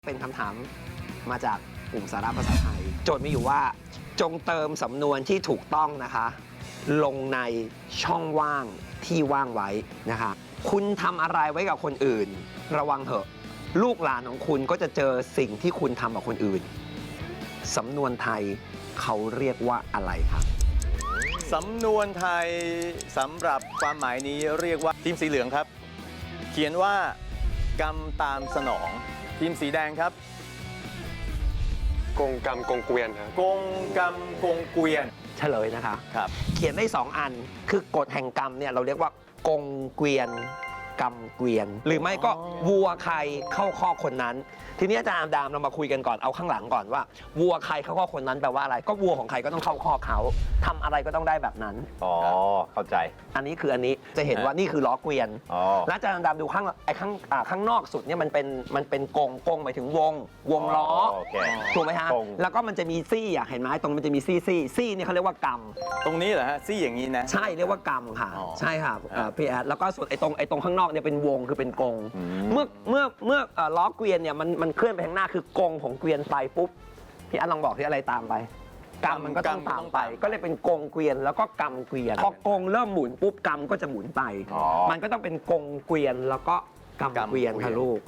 เป็นคำถามมาจากกลุ่มสาระภาษาไทย โจทย์มีอยู่ว่าจงเติมสำนวนที่ถูกต้องนะคะ ลงในช่องว่างที่ว่างไว้นะคะ คุณทำอะไรไว้กับคนอื่น ระวังเถอะ ลูกหลานของคุณก็จะเจอสิ่งที่คุณทำกับคนอื่นสำนวนไทยเขาเรียกว่าอะไรครับสำนวนไทยสำหรับความหมายนี้เรียกว่าทีมสีเหลืองครับ เขียนว่ากรรมตามสนองทีมสีแดงครับกงกรรมกงเกวียนครับกงกรรมกงเกวียนเฉลยนะคะครับเขียนได้ 2 อัน คือกฎแห่งกรรมเนี่ยเราเรียกว่ากงเกวียนกรรมเกวียน หรือไม่ก็วัวใครเข้าข้อคนนั้น ทีนี้อาจารย์ดามเรามาคุยกันก่อนเอาข้างหลังก่อนว่าวัวใครเข้าข้อคนนั้นแปลว่าอะไร ก็วัวของใครก็ต้องเข้าข้อเขาทำอะไรก็ต้องได้แบบนั้นอ๋อ เข้าใจอันนี้คืออันนี้จะเห็นว่านี่คือล้อเกวียนอ๋อแล้วอาจารย์ดามดูข้างนอกสุดเนี่ยมันเป็นกงหมายถึงวงล้อโอเคถูกไหมฮะกงแล้วก็มันจะมีซี่อ่ะเห็นไหมตรงมันจะมีซี่เนี่ยเขาเรียกว่ากรรมตรงนี้เหรอฮะซี่อย่างนี้นะใช่เรียกว่ากรรมค่ะอ๋อใช่ค่ะพี่แอดแล้วก็ส่วนไอ้ตรงข้างนอกเนี่ยเป็นวงคือเป็นกงอืมเมื่อล้อเกวียนเนี่ยมันเคลื่อนไปข้างหน้าคือกงของเกวียนไปปุ๊บพี่แอดลองบอกที่อะไรตามไปกรรมมันก็ต้องตามไป ก็เลยเป็นกงเกวียนแล้วก็กรรมเกวียนพอกงเริ่มหมุนปุ๊บกรรมก็จะหมุนไปอ๋อมันก็ต้องเป็นกงเกวียนแล้วก็กรรมเกวียนค่ะลูก